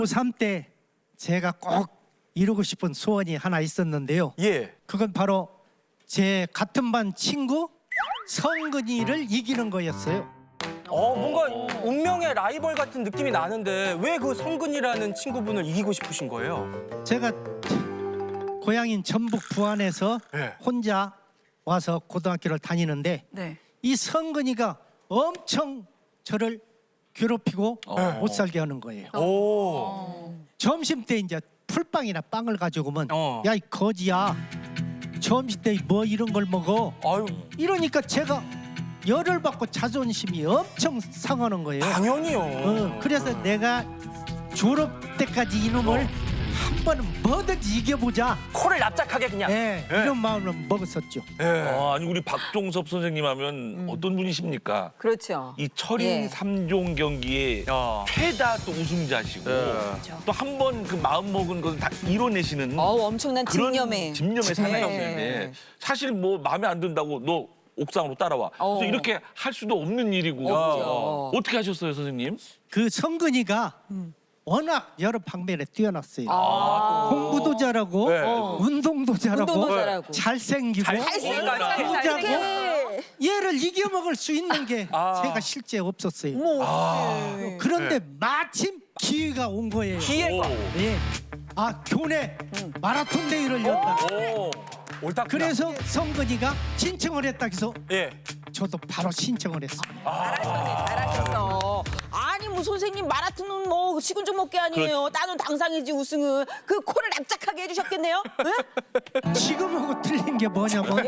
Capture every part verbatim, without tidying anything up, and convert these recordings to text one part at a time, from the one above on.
고삼 때 제가 꼭 이루고 싶은 소원이 하나 있었는데요. 예. 그건 바로 제 같은 반 친구 성근이를 이기는 거였어요. 어 뭔가 운명의 라이벌 같은 느낌이 나는데 왜 그 성근이라는 친구분을 이기고 싶으신 거예요? 제가 고향인 전북 부안에서 네. 혼자 와서 고등학교를 다니는데 네. 이 성근이가 엄청 저를 괴롭히고 못 살게 하는 거예요. 오. 점심 때 이제 풀빵이나 빵을 가지고 오면 어. 야 이 거지야 점심 때 뭐 이런 걸 먹어 아유 이러니까 제가 열을 받고 자존심이 엄청 상하는 거예요. 당연히요. 어, 그래서 내가 졸업 때까지 이놈을 한 번은 뭐든지 이겨보자. 코를 납작하게 그냥. 네, 네. 이런 마음으로 먹었었죠. 예. 아, 아니 우리 박종섭 선생님 하면 어떤 분이십니까? 그렇죠. 이 철인 예. 삼 종 경기에 야. 최다 또 우승자시고 또 한 번 그 마음 먹은 건 다 이뤄내시는 어우, 엄청난 그런 집념의. 집념의 사나이였는데 네. 사실 뭐 마음에 안 든다고 너 옥상으로 따라와. 어. 그래서 이렇게 할 수도 없는 일이고 없죠. 어떻게 하셨어요, 선생님? 그 성근이가 워낙 여러 방면에 뛰어났어요. 아. 공부도 잘하고 네. 어. 운동도 잘하고 운동도 잘하고. 잘생기고 잘생겼다. 잘하고 얘를 이겨먹을 수 있는 게 아. 제가 실제 없었어요. 어머, 아. 어떡해. 그런데 마침 기회가 온 거예요. 기회가. 예. 아 교내 마라톤 대회를 연다. 오. 옳다. 그래서 성근이가 신청을 했다 해서 예. 저도 바로 신청을 했어요. 잘하셨네, 잘하셨어. 아니, 뭐 선생님 마라톤은 뭐 식은 죽 먹게 아니에요. 따는 당상이지 우승은. 그 코를 납작하게 해주셨겠네요. 응? 지금하고 틀린 게 뭐냐면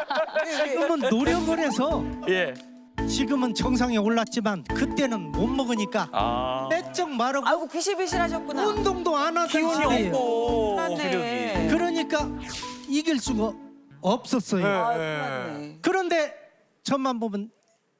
지금은 노력을 해서 예. 지금은 정상에 올랐지만 그때는 못 먹으니까 아. 빼쩍 마르고 아이고 비실비실하셨구나. 운동도 안 하던 기운이 시대예요. 없고. 맞네. 그러니까 이길 수가 없었어요. 아, 예. 맞네. 그런데 저만 보면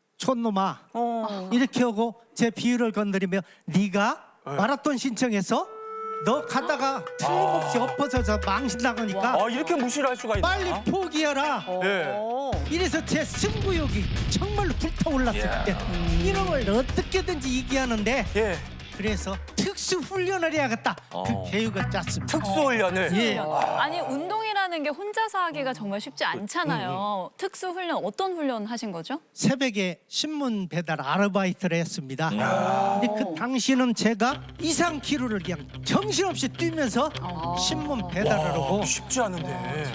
촌놈아 어. 이렇게 하고 제 비유를 건드리며 네가 마라톤 신청해서 너 가다가 틀림없이 엎어져서 망신당하니까 아 이렇게 무시를 할 수가 있나? 빨리 포기해라. 예. 어. 이래서 제 승부욕이 정말로 불타올랐을 때 이놈을 어떻게든지 이기하는데 예. 그래서 특수 훈련을 해야겠다. 어. 그 계획을 짰습니다. 특수 훈련을. 예. 아니 운동이라는 게 혼자서 하기가 정말 쉽지 않잖아요. 특수 훈련 어떤 훈련 하신 거죠? 새벽에 신문 배달 아르바이트를 했습니다. 근데 그 당시는 제가 이상 키로를 그냥 정신없이 뛰면서 신문 배달을 하고 쉽지 않은데.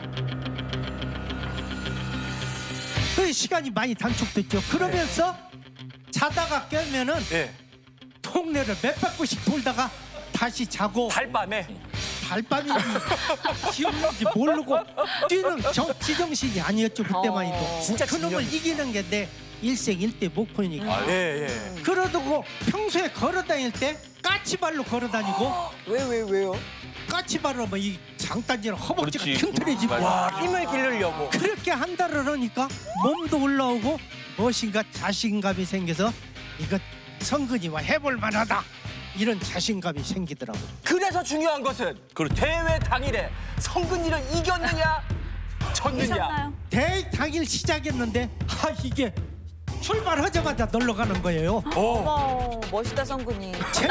그 시간이 많이 단축됐죠. 그러면서 자다가 깨면은 예. 동네를 몇 바퀴씩 돌다가 다시 자고 달밤에. 달밤인지 기억인지 모르고 뛰는 정, 지정신이 아니었죠. 그때만 해도. 어, 진짜 그놈을 진정이지. 이기는 게 내 일생일대 목표니까. 예 예. 그러고 평소에 걸어다닐 때 까치발로 걸어다니고 왜, 왜, 왜요? 까치발로 뭐 이 장단지랑 허벅지가 그렇지. 튼튼해지고 맞아. 와 힘을 기르려고. 그렇게 한 달을 하니까 몸도 올라오고 무엇인가 자신감이 생겨서 이거 성근이와 해볼 만하다 이런 자신감이 생기더라고요. 그래서 중요한 것은 그렇죠. 대회 당일에 성근이를 이겼느냐 졌느냐. 하셨나요? 대회 당일 시작했는데 아 이게 출발하자마자 놀러 가는 거예요. 오. 어머, 멋있다 성근이.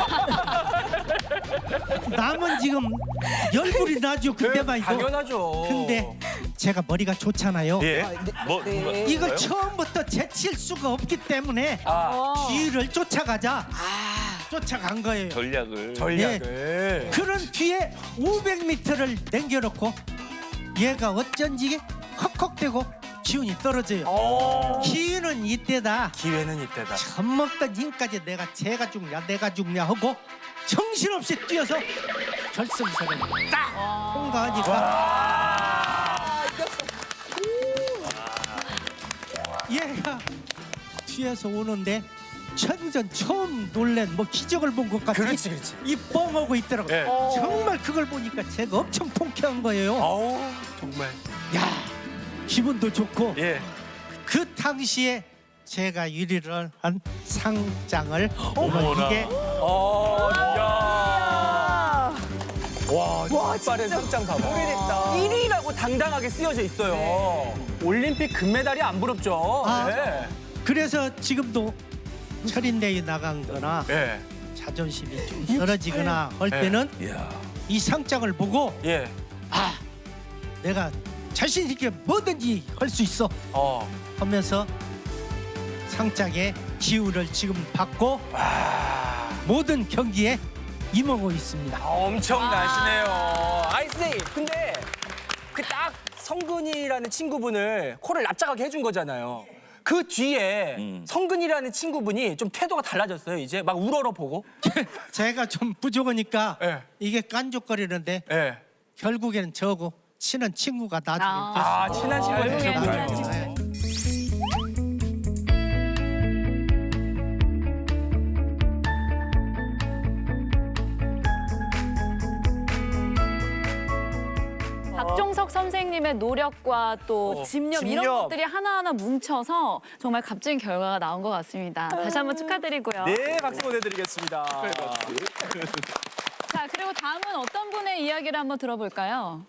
남은 지금 열불이 나죠 그때만 해도. 당연하죠. 근데 제가 머리가 좋잖아요. 예. 뭐 네. 누가- 이걸 뭐요? 처음부터 제칠 수가 없기 때문에 아 어. 뒤를 쫓아가자. 아, 쫓아간 거예요. 전략을 전략을. 그런 뒤에 오백 미터를 남겨놓고 얘가 어쩐지 헉헉대고 기운이 떨어져요. 어. 기운은 이때다. 기회는 이때다. 젖먹던 힘까지 내가 쟤가 죽냐 내가 죽냐 하고 정신없이 뛰어서 결승선을 딱 통과하니까 얘가 뒤에서 오는데 천전 처음 놀란 뭐 기적을 본 것 같이 그렇지 그렇지. 이 뻥하고 있더라고요. 예. 정말 그걸 보니까 제가 엄청 통쾌한 거예요. 아우 정말. 야 기분도 좋고 예. 그 당시에 제가 유리를 한 상장을 어머나. 이게 어. 야. 와, 와, 뒷발에 진짜 상장 봐봐. 오래됐다. 일 위라고 당당하게 쓰여져 있어요. 올림픽 금메달이 안 부럽죠. 아. 예. 그래서 지금도 철인대회 나간 거나 예. 자존심이 좀 떨어지거나 할 때는 이야. 이 상장을 보고 예. 아 내가 자신 있게 뭐든지 할 수 있어 어. 하면서 상장의 기운을 지금 받고 모든 경기에 임하고 있습니다. 아, 엄청나시네요. 아이 선생님, 근데 그 딱 성근이라는 친구분을 코를 납작하게 해준 거잖아요. 그 뒤에 음. 성근이라는 친구분이 좀 태도가 달라졌어요. 이제 막 우러러 보고. 제가 좀 부족하니까 예. 이게 깐족거리는데 예. 결국에는 저하고 친한 친구가 나중에 아. 됐어요. 아, 친한 친구가 결국엔 친한 되셨군요. 친구. 박종석 선생님의 노력과 또 어, 집념, 집념. 이런 것들이 하나하나 뭉쳐서 정말 값진 결과가 나온 것 같습니다. 다시 한번 축하드리고요. 네, 박수 보내드리겠습니다. 자, 그리고 다음은 어떤 분의 이야기를 한번 들어볼까요?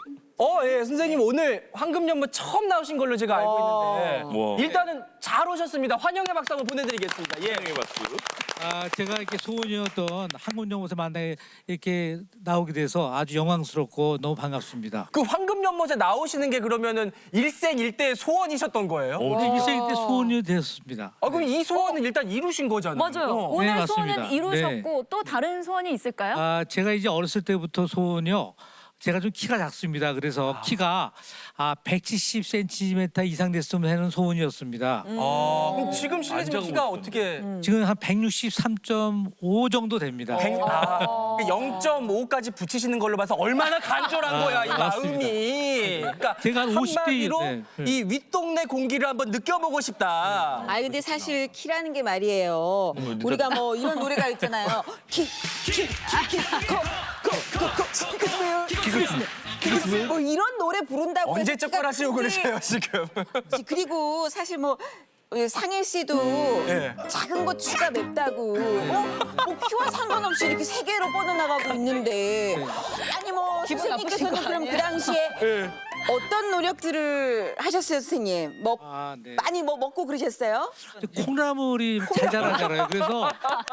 어, 예, 선생님 오늘 황금연못 처음 나오신 걸로 제가 알고 있는데 뭐. 일단은 잘 오셨습니다. 환영의 박수 한번 보내드리겠습니다. 예. 네, 박수. 아, 제가 이렇게 소원이었던 한국연못에 만나게 이렇게 나오게 돼서 아주 영광스럽고 너무 반갑습니다. 그 황금연못에 나오시는 게 그러면은 일생일대의 소원이셨던 거예요? 우리 일생 때 소원이 되었습니다. 아, 그럼 이 소원은 일단 이루신 거잖아요. 맞아요. 어. 오늘 네, 소원은 맞습니다. 이루셨고 또 다른 소원이 있을까요? 아, 제가 이제 어렸을 때부터 소원이요. 제가 좀 키가 작습니다. 그래서 키가 아, 백칠십 센티미터 이상 됐으면 하는 소원이었습니다. 아, 그럼 지금 실례지만 안 키가 작은 어떻게 지금 한 백육십삼 점 오 정도 됩니다. 백- 아, 영 점 오까지 붙이시는 걸로 봐서 얼마나 간절한 거야, 이 맞습니다. 마음이. 그러니까 제가 한 오십 대 한마디로 네, 네. 이 윗동네 공기를 한번 느껴보고 싶다. 아니 근데 사실 키라는 게 말이에요. 우리가 뭐 이런 노래가 있잖아요. 키, 키, 키, 키, 코, 코, 코, 코, 키크스웨어, 키크스웨어. 뭐 이런 노래 부른다고 언제 해서 쩍벌하시고 키가 그러세요, 지금? 큰지, 그리고 사실 뭐 우리 상일 씨도 예. 작은 거 추가 맵다고 어? 뭐 키와 상관없이 이렇게 세 개로 뻗어나가고 있는데 아니 뭐 선생님께서는 그럼 그 당시에 예. 어떤 노력들을 하셨어요, 선생님? 뭐 아, 네. 많이 뭐 먹고 그러셨어요? 콩나물이 잘 자라잖아요. 그래서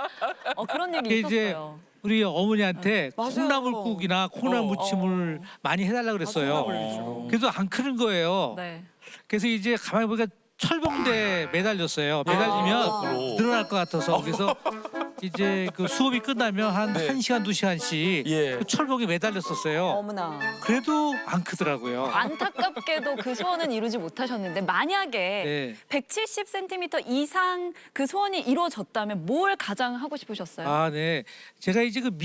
어, 그런 얘기 이게 이제 있었어요. 우리 어머니한테 맞아요. 콩나물국이나 콩나물 어. 무침을 많이 해달라 그랬어요. 그래서 안 크는 거예요. 네. 그래서 이제 가만히 보니까 철봉대에 매달렸어요. 매달리면 앞으로. 늘어날 것 같아서 그래서 이제 그 수업이 끝나면 한 네. 한 시간 두 시간씩 예. 그 철봉에 매달렸었어요. 어머나. 그래도 안 크더라고요. 안타깝게도 그 소원은 이루지 못하셨는데 만약에 네. 백칠십 센티미터 이상 그 소원이 이루어졌다면 뭘 가장 하고 싶으셨어요? 아, 네. 제가 이제 그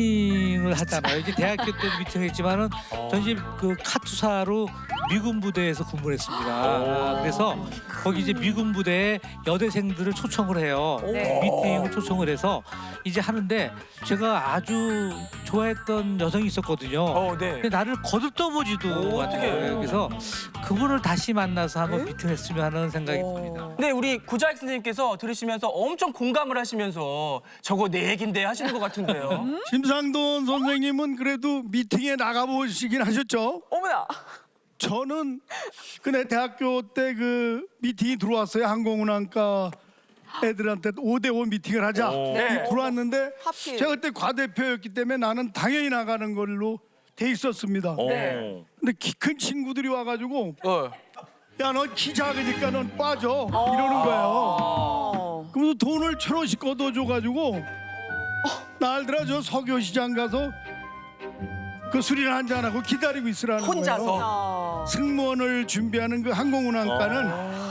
미팅을 하잖아요. 이제 대학교 때도 미팅을 했지만은 전 이제 그 카투사로 미군 부대에서 근무를 했습니다. 아, 그래서 거기 이제 미군 부대에 여대생들을 초청을 해요. 네. 미팅을 초청을 해서 이제 하는데 제가 아주 좋아했던 여성이 있었거든요. 어, 네. 근데 나를 거들떠보지도 오, 않는 어떡해. 거예요. 그래서 그분을 다시 만나서 한번 미팅했으면 하는 생각이 듭니다. 근데 우리 구자익 선생님께서 들으시면서 엄청 공감을 하시면서 저거 내 얘긴데 하시는 것 같은데요. 심상돈 선생님은 그래도 미팅에 나가보시긴 하셨죠? 어머나. 저는 그내 대학교 때 그 미팅이 들어왔어요. 항공운항과 애들한테 오 대 오 미팅을 하자. 네. 들어왔는데 하필. 제가 그때 과대표였기 때문에 나는 당연히 나가는 걸로 돼 있었습니다. 네. 근데 키 큰 친구들이 와가지고 어. 야, 너 키 작으니까 넌 빠져 이러는 거예요. 어. 그러면서 돈을 천 원씩 걷어줘가지고 날들아 저 석유시장 가서 그 술이나 한잔 하고 기다리고 있으라는 거예요. 혼자서. 어. 승무원을 준비하는 그 항공운항과는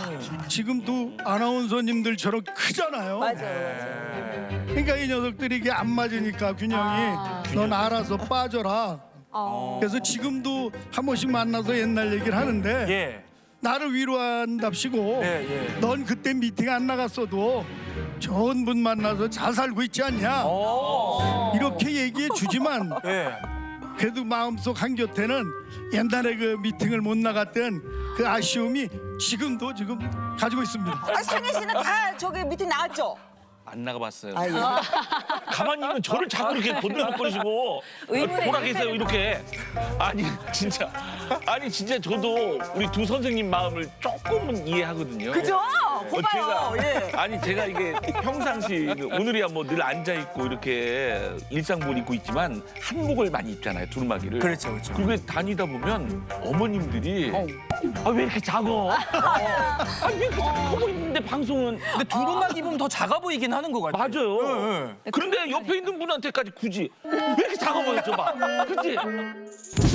지금도 아나운서님들처럼 크잖아요. 맞아요, 맞아요. 그러니까 이 녀석들이 이게 안 맞으니까 균형이 넌 알아서 빠져라. 어. 그래서 지금도 한 번씩 만나서 옛날 얘기를 하는데 예. 나를 위로한답시고 예, 예. 넌 그때 미팅 안 나갔어도 좋은 분 만나서 잘 살고 있지 않냐 어. 이렇게 얘기해 주지만 예. 그래도 마음속 한곁에는 옛날에 그 미팅을 못 나갔던 그 아쉬움이 지금도 지금 가지고 있습니다. 아, 상일 씨는 다 저기 미팅 나왔죠? 안 나가봤어요. 아, 예. 가만히 있는 저를 자꾸 이렇게 건드려거리시고 의문의 보라 계세요 일패를 이렇게. 아니 진짜 아니 진짜 저도 우리 두 선생님 마음을 조금은 이해하거든요. 그죠? 고마워. 예. 아니 제가 이게 평상시 오늘이야 뭐 늘 앉아 있고 이렇게 일상복을 입고 있지만 한복을 많이 입잖아요 두루마기를. 그렇죠, 그렇죠. 그리고 다니다 보면 어머님들이 아 왜 이렇게 작어? 아 왜 이렇게 작고 있는데 방송은 근데 두루마기 입으면 더 작아 보이긴 하는 것 같아요. 맞아요. 그런데 옆에 있는 분한테까지 굳이 왜 이렇게 작아 보였죠, 봐. 그치?